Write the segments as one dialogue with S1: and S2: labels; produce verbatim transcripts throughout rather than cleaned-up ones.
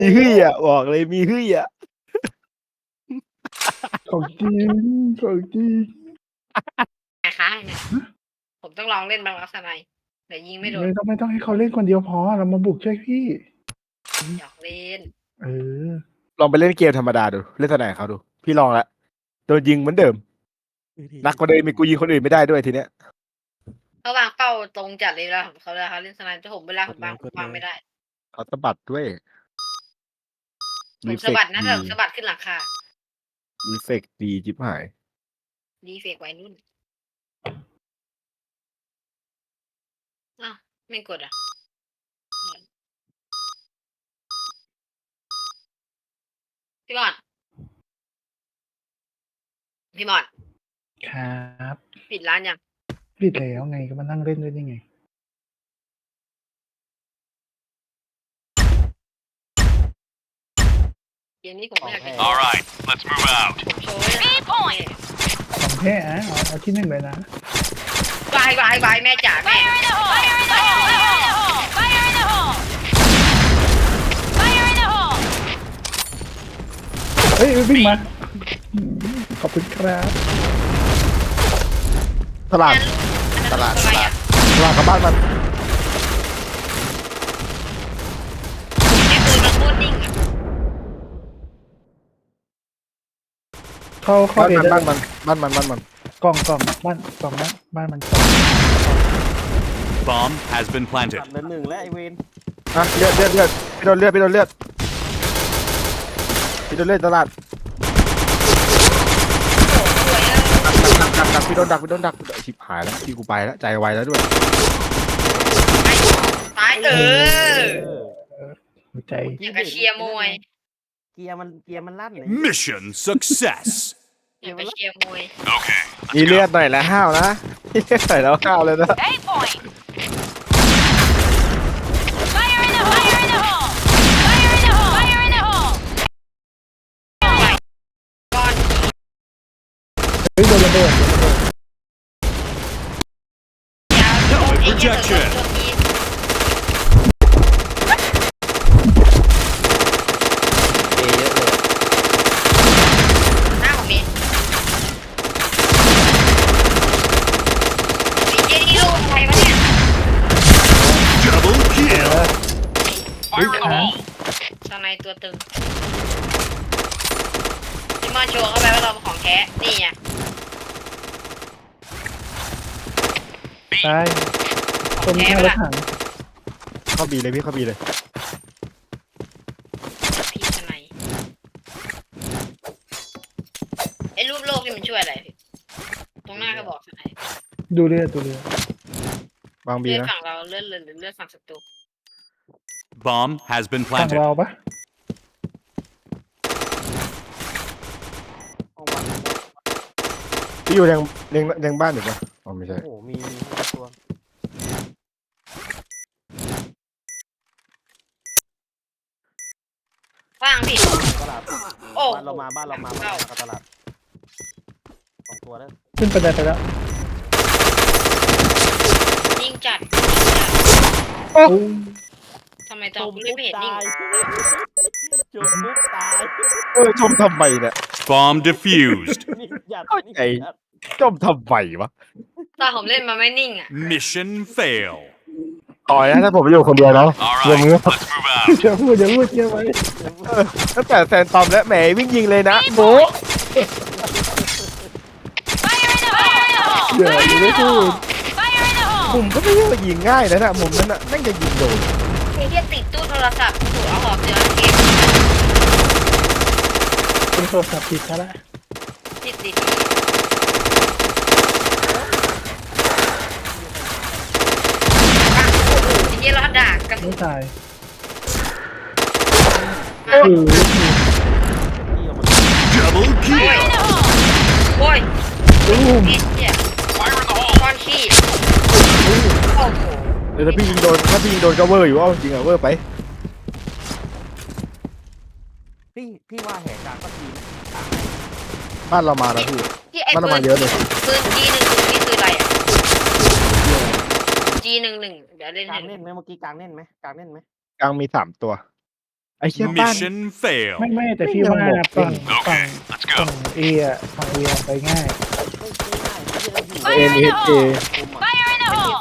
S1: มีเฮียบอกเลยมีเฮีย
S2: ของจริงของจริง
S3: นะคะเนี่ยผมต้องลองเล่นบางลักษณะแต่ยิงไม่โดน
S2: ไม่ต้องไม่ต้องให้เขาเล่นคนเดียวพอเรามาบุกช่วยพี่
S3: อยากเล่น
S2: เออ
S1: ลองไปเล่นเกมธรรมดาดูเล่นสนามเขาดูพี่ลองละโดนยิงเหมือนเดิมนักกว่าเดิมมีกูยิงคนอื่นไม่ได้ด้วยทีเนี้ย
S3: เขาวางเป้าตรงจัดเลยเวลาเขาเวลาเขาเล่นสนามจะผมเวลาผมวางผมวางไม่ได้
S1: เขาสะบัดด้วย
S3: ผมสะบัดนะแต่ผมสะบัดขึ้นหลังคา
S1: รีเฟกดีจิบหาย
S3: ดีเฟกไว้นุ่นอ้าวไม่กดอ่ะพี่บอลพี่บอล
S2: ครับ
S3: ปิดร้านยัง
S2: ปิดแล้วไงก็มานั่งเล่นด้วยนี่ไง
S3: เกมนี้ผมไม่อยากจะ
S4: Alright, let's move out.
S3: ผมโชว์ไว้นะ
S2: ของแท้อะเอาเอาที่หนึ่งเลยนะ
S3: วายวายวายแม่จ๋าแม่
S5: Fire in the hole! Fire in the hole! Fire in the hole! Fire in the hole!
S2: เฮ้ยวิ่งมาอืมขอบคุณครับ
S1: ตลาด ตลาด
S3: อะไรอ่ะ
S1: ตลาดกับบ้านมัน
S3: แค่ปืนมันโคตรนิ่งอ่ะ
S2: เข้าเข้า
S1: บ้าน
S2: เอ
S1: มัน
S2: ได้
S1: บ้านมันบ้านมันบ้านมัน
S2: กล่องกล่องบ้านกล่องบ้านบ้านมันกล่อง
S4: Bomb has been planted.
S6: เหลือหนึ่งและไอเวน
S1: อ่ะเลือดเลือดเลือดพี่โดนเลือดพี่โดนเลือดพี่โดนเลือดตลาด
S3: สวยอ่ะ
S1: ดักดักดักพี่โดนดักพี่โดนดักชิบหายแล้วพี่กูไปแล้วใจไวแล้วด้วย
S3: ตายเออ
S2: หัวใจ
S3: อย่างกับเชียร์มวย
S6: เกียร์มันเกียร์มันลั่นเลย
S4: Mission success.
S3: อย่างกับเชียร์มวย
S4: Okay,
S1: มีเลือดหน่อยแล้วห้าวนะมีเลือดหน่อยแล้วห้าวเลยนะ
S5: Eight point! Fire in the hole! Fire in the hole! Fire in the hole! Fire in the hole!
S3: ก่อน
S2: เฮ้ยโดนระเบิดโดนระเบิด
S3: ยาวโดนไอ้เหี้ยโดนโดนยิง
S1: เอเยอะเลย
S3: หน้าผมมีไอ้เหี้ยนี่ลูกใครวะเนี่ย
S4: double kill.
S2: เฮ้ยค้าง
S3: สไนตัวตึงพี่มอนโชว์เข้าไปว่าเราเป็นของแท้นี่ไง
S2: ตายตรงนี้รถถัง
S1: เข้าบีเลยพี่เข้าบีเลย
S3: พี่สไนไอ้รูปโลกนี่มันช่วยอะไรพี่ตรงหน้าก็บอกสไน
S2: ดูเรือดูเรือ
S1: วางบี
S3: เลือด
S1: นะ
S3: ฝั่งเราเลือดเลยหรือเลือดฝั่งศัตรู
S4: Bomb has been
S2: ฝั่ง
S4: planted.
S2: เราปะ
S6: ห้องวัด
S1: พี่อยู่ยังยังยังบ้านอยู่ปะอ๋อไม่ใช่
S6: โอ้โหมีมีตัว
S3: ว่างพี่
S6: ตลาด
S3: โอ้
S6: บ้านเรามาบ้านเรามาบ้านเรามาตลาดสองตัวแล้ว
S2: ขึ้นไปได้ไปแล้ว
S3: นิ่งจัด
S2: โอ้
S3: ทำไมตอนไม่เห็นนิ่ง
S6: ตายจุดปุ๊บตาย
S1: เออชมทำไมเนี่ย
S4: Bomb defused.
S6: นี่หยัด
S1: เข้าใจ
S6: นี่หยัด
S1: ชมทำไมวะ
S3: ตอนผมเล่นมาไม่นิ่งอ่ะ
S4: Mission fail.
S1: ต่อยนะถ้าผมอยู่คนเดียวนะ
S4: Alright, let's move out.
S2: เชื่อพูดอย่าพูดเยอะไว้
S1: ตั้งแต่แซนตอมและแหมวิ่งยิงเลยนะโบ
S5: Fire in the hole! Fire in the hole!
S2: เดี๋ยวอย่าไม่พูด
S5: Fire in the
S1: มุ
S5: hole!
S1: มก็ไม่ใช่ว่ายิงง่ายนะนะมุมนั้นน่ะแม่งจะยิงโดน
S3: ไอ้เหี้ยติดตู้โทรศัพท์ถูกเอาหอบเจอเกม
S2: เป็นโทรศัพท์ผิดซะละ
S3: ติดติดอ่ะโอ้โหไอ้เหี้ยรอดด่ากระสุ
S2: ไม่
S3: น
S2: ตาย
S3: มา
S2: โอ้โห
S6: ที่ออกมา
S4: Double
S5: Fire
S4: kill.
S5: in the hole!
S3: โอ้ย
S2: ตุ้ม
S3: ไอ้เหี้ย
S4: Fire in the hole.
S3: ก้อนขี้โอ้โห
S1: เดี๋ยวถ้าพี่ยิงโดนถ้าพี่ยิงโดนก็เวอร์อยู่ว่าจริงอะเวอร์ไป
S6: พี่พี่ว่าแหกกลางก็ทีนะ
S1: บ้านเรามาแล้วพี่
S3: ที่ไอ้
S1: มัน
S3: ปื
S1: เอามาน เยอะเลย
S3: ปืน จี หนึ่งหนึ่งนี่คืออะไรอ่ะ จี หนึ่งหนึ่งเดี๋ยวเล่น
S6: กลา
S3: ให้
S6: งเล่นไหมเมื่อกี้กลางเล่นไหมกลางเล่นไหม
S1: กลางมีสามตัวไอ้เชี่ยบ้าน
S4: Mission fail.
S2: ไม่ไม่แต่
S1: ไม่
S2: พี่
S1: ยัง
S2: ว่า
S1: บอก
S2: ฝั่ง
S4: โอเค
S2: ฝั่ง
S4: let's
S2: ฝั่
S4: go.
S2: งเออะฝั่งเออะไปง่าย
S3: ไม่ไม่ง่ายที่เราอยู่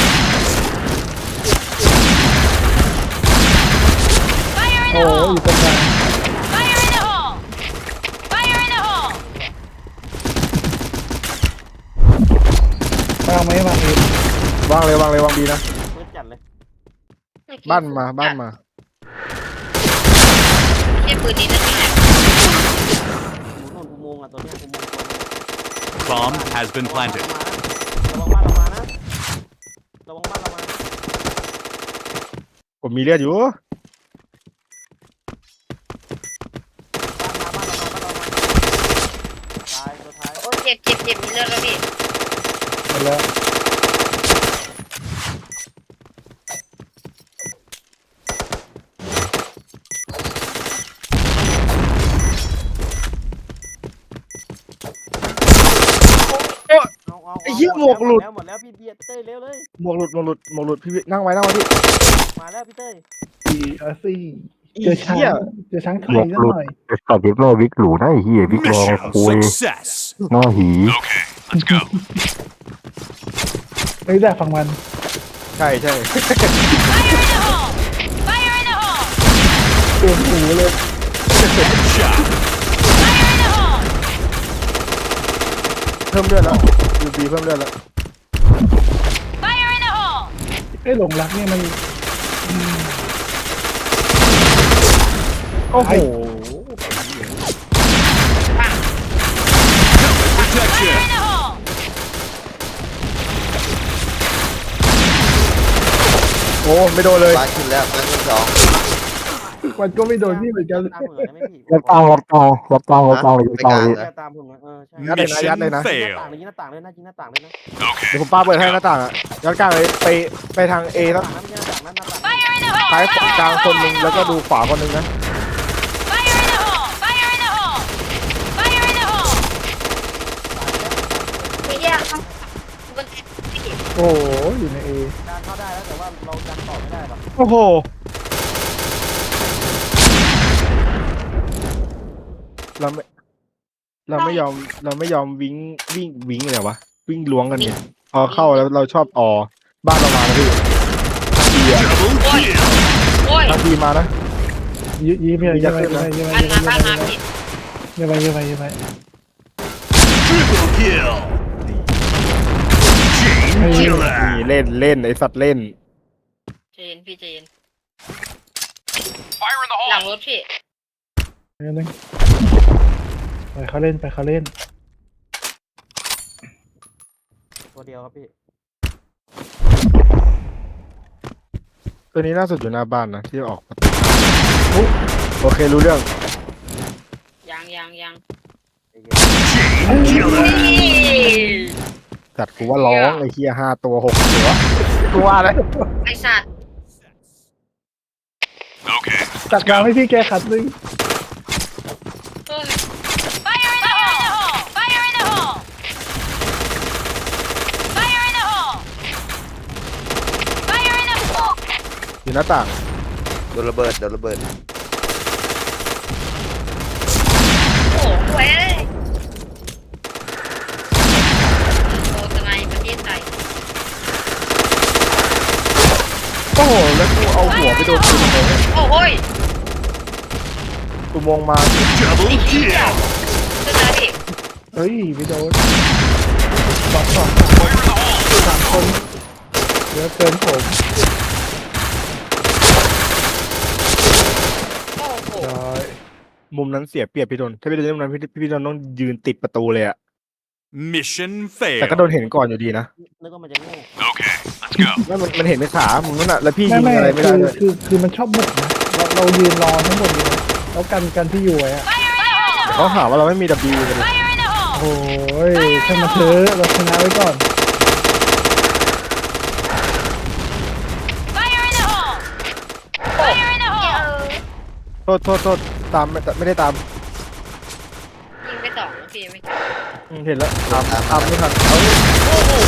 S5: Fire in the hole! Fire in
S2: โอ้
S5: the
S2: ย
S5: hole!
S2: อยู่ตรงกลาง
S5: Fire in the hole! Fire in the hole!
S2: วางไหมวางเอง
S1: วางเลยวางเลยวางดีนะ
S6: เพื่อจัดเลย
S1: บ้านมาบ้านมา
S3: เทียบปืนนี้นั่นแหละ
S6: หมุนอุโมงค์อ่ะตัวเนี้ยอุโมงค์
S4: Bomb has been planted.
S6: ระวังบ้านเรามานะระวังบ้านเรามา
S1: ผมมีเลือดอยู่
S6: บ้านมาบ้านเรามาบ้านเรามาตายตัวท้าย
S3: โอ้เจ็บเจ็บเจ็บมีเลือดแล้วพี่
S2: หมดแล้ว
S6: เอาเอา
S1: ไอ้เหี้ยหมวกหลุด
S6: แล้วหมดแล้วพี่เบียร์เต้ยเร็วเลย
S1: หมวกหลุดหมวกหลุดหมวกหลุดพี่นั่งไว้นั่งไว้พี่
S6: มาแล้วพี่เต้ย
S2: อีอาซี่
S1: อี
S2: เจอช้าง
S1: เหี้ย
S2: เจอช้างไทยซะหน่อย
S7: ไอ้สัตว์วิกโลวิกหลูนะไอ้เหี้ยวิกแรง
S4: Mission
S7: คุย
S4: success.
S7: หน้าหี
S4: Okay, let's go.
S2: ไม่ได้ฝั่งมัน
S1: ใช่ใช่
S5: Fire in the hole! Fire in the hole!
S2: ตัวหูเลย
S4: Headshot.
S5: Fire in the hole!
S1: เพิ่มเลือดแล้วยูบีเพิ่มเลือดแล้ว
S5: Fire in the hole!
S2: ไอ้หลงรักเนี่ยมัน
S1: โอ้โห
S4: Protection.
S5: Fire in the hole!
S1: โอ้ไม่โดนเลย
S8: บ้านขึ้นแล้วบ้านขึ้นสอง
S2: มันก็ไม่โดนพี่เหมือนกัน
S6: ตามผมหน่อยได้ไหมพี่
S7: รับตังรับตังรับตังรับตังเลยรับตังเลย
S6: เบียร์ตามผมหน่อยเออใช่
S1: ยัดเลยนะยัดเลยนะ
S4: Mission
S6: หน้าต่าง
S4: fail.
S6: เลยยิงหน้าต่างเลยนะยิงหน้าต่างเลยนะ
S4: Okay.
S1: เดี๋ยวผมป้าเปิดให้หน้าต่างอ่ะยัดกลางเลยไปไปทางเอ
S6: ห
S1: นะ
S6: น้าต่างนั้นไม่ใช่หน้าต่างนั้นหน้าต่าง
S5: Fire in the hole!
S1: ซ้าย
S5: Fire in
S1: กลาง
S5: the
S1: คนห
S5: hole!
S1: นึงแล้วก็ดูขวาคนหนึงนะ
S5: Fire in the hole! Fire in the hole! Fire in the hole!
S3: ไม่แยกต้องบนพี่
S2: โอ้โหอยู่ในเอ
S6: การเข้าได้แล้วแต่ว่าเราดันต่อไม่ได้หรอก
S1: โอ้โหเราไม่เราไม่ยอมเราไม่ยอมวิ่งวิ่งวิ่งเลยวะวิ่งล้วงกันเนี่ยพอเข้าแล้วเราชอบออบ้านเรามาแล้วพี่ทีอ่ะ
S4: Double kill.
S3: โอ้ย
S1: ทางทีมานะ
S2: ยืยืมไปยืมไปยืมไปยืมไป
S3: บ้าน
S2: ยืม
S3: มา
S2: ไป
S3: บ้านมาพี่
S2: ยืมไปยืมไปยืมไป
S4: Triple kill. Chain
S1: นี่
S4: killer.
S1: เล่นเล่นไอสัตว์เล่น
S3: ใจเย็นพี่ใจเย็น
S4: Fire in the
S3: หลัง
S4: hole.
S3: รถพี่
S2: ไปนึงไปเขาเล่นไปเขาเล่น
S6: ตัวเดียวครับพี่
S1: ตัวนี้น่าสุดอยู่หน้าบ้านนะที่ออกประตูอุ๊ยโอเครู้เรื่อง
S3: ยังยังยัง
S4: Chain killer.
S1: จัดกูว่าร้องไอ้เฮียห้าตัวหกตัวกูว่าเลย
S3: ไอสัตว์
S4: Okay.
S2: ตัดกลางให้พี่แกขัดนึง
S3: เอ้ย
S5: Fire in the hole! Fire in the hole! Fire in the hole! Fire in the hole!
S1: อยู่หน้าต่าง
S8: โดนระเบิดโดนระเบิด
S3: โอ้โหเว้ยโอ้ทนายประเทศไทย
S1: โอ้โหแล้วกูเอาหัวไปโดนกูเลย
S3: โอ้โห้ย
S1: กูมองมา
S4: Double kill.
S3: ขึ้นมาพี่
S2: เฮ้ยไม่โดนสองสอง
S4: Fire in the hole.
S2: สามคนเดี๋ยวเกินผม
S3: โอ้โห
S2: ร้อย
S1: มุมนั้นเสียเปรียบพี่โดนถ้าพี่โดนมุมนั้นพี่พี่โดนต้องยืนติดประตูเลยอะ
S4: Mission
S1: แต่ก็โด
S4: fail.
S1: นเห็นก่อนอยู่ดีนะ
S6: นึกว่ามันจะโง่
S4: Okay, let's go.
S1: ไม่มันมันเห็นในขามุมนั้นอะแล้วพี่
S2: ไม่
S1: ยิง
S2: ไม่
S1: อะไรไม่
S2: คื
S1: ได้
S2: อ
S1: เลย
S2: คือคือมันชอบบุกนะเราเรายืนรอทั้งหมดเลยนะแล้วกันกันที่อยู่ไว้อะ
S5: Fire in the hole!
S1: เขาหาว่าเราไม่มี W กันเลย
S5: Fire in the hole!
S2: โอ้ยช่างมาเถอะเราชนะไว้ก่อน
S5: Fire in the hole! Fire in the hole!
S1: โทษโทษโทษตามไม่ไม่ได้ตาม
S3: ยิงไปสองพี่ไม่
S1: อืมเห็นแล้วตามตามไม่ทันเอา
S3: โอ้โห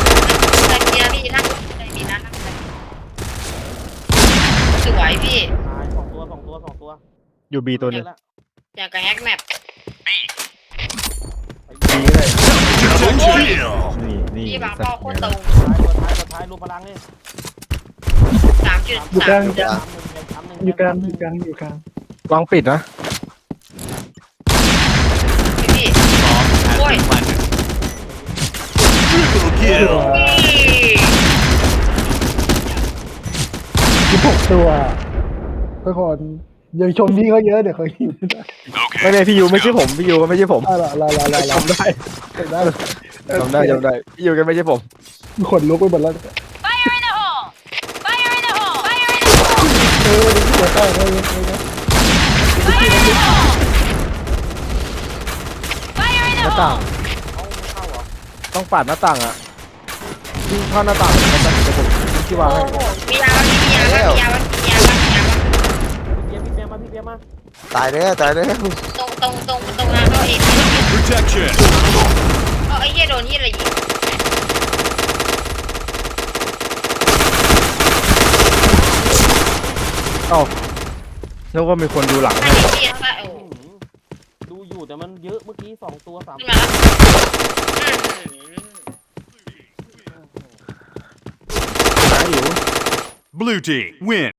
S3: ใจเกียร์พี่นั่งใจดีนะนั่งใจสวยพี่
S6: หา
S1: อยู่บีตัวหนึง
S3: อย่างกับแฮกแมป
S1: บีเลย
S4: Double kill.
S1: นี่นี่
S3: ที่บาง
S1: สั
S3: พ่อ
S1: ตว์
S3: โคตรตรง
S6: ท้ายตัวท้ายตัวท้ายรูปพลังนี่
S3: สามจุด
S2: อยู่ก
S3: สา
S2: ลาม ง
S8: กลาง
S6: สามหนึ่ง
S2: อยู่กลางอยู่กลางอยู่กลาง
S1: วางปิดนะ
S3: พี่
S4: Bomb has
S3: Oi.
S4: been planted. Triple kill.
S2: สิบหกตัวทุกคนอย่าชมพี่เขาเยอะเดี๋ยวเขาหิวนะ
S1: ไม่ไม่พี่ยูไม่ใช่ผมพี่ยูก็ไม่ใช่ผม
S2: อะไรอะไรอะไรอะไร
S1: จำได้
S2: ได้
S1: จำได้จำได้พี่ยูก็ไม่ใช่ผม
S2: ขนลุกไปหมดแล้ว
S5: Fire in the hole! Fire in the hole! Fire in the hole!
S2: เออเดี๋ยวใกล้เลยเลยนะ
S5: Fire in the hole! Fire in
S1: ห
S5: the
S1: น้าต่าง
S5: hole!
S1: ต้องปาดหน้าต่างอ่ะวิ่งเข้าหน้าต่างเลยนะเดี๋ยวผมที่วางให้
S3: มียาวันมียาวันมียาวันมียาวันมียาวัน
S6: พี่เบียร์พี่เบียร์มาพี่เบียร์มา
S8: ตายแล้วตายแล้ว
S3: ตรงตรงตรงตรงนั้นเขาเอง
S4: Protection.
S3: เอาไอ้เหี้ยโดนเหี้ยอะไรยิง
S1: เอ้านึกว่ามีคนดูหลัง
S3: ถ้า
S1: ให้
S3: เห็นเหี้ยถ้าโอ้
S6: ดูอยู่แต่มันเยอะเมื่อกี้สองตัวสาม
S3: ขึ้นมาแล้ว
S1: หาอยู่
S4: Blue team win.